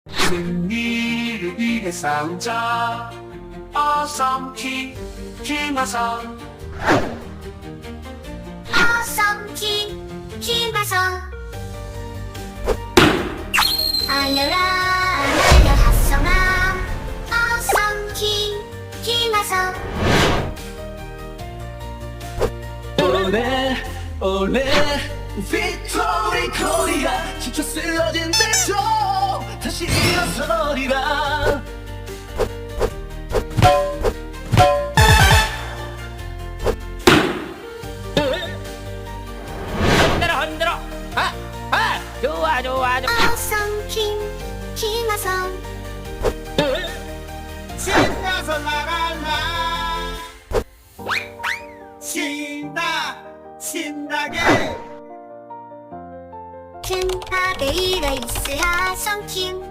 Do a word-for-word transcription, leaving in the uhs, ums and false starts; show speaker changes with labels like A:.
A: 승리를 위해 싸우자. 어썸키 김하성.
B: 어썸키 김하성. 알려라 알려 하성아. 어썸키 김하성.
C: 올레 올레 빅토리 코리아 지쳐 쓰러진 데도 다시 일어서리라.
D: 흔들어 흔들어. 아, 아, 좋아 좋아 좋아.
B: 어썸키 김하성.
E: 신나서 나갈라. 신나 신나게.
B: 큰 하베이가 있어야 썸킴.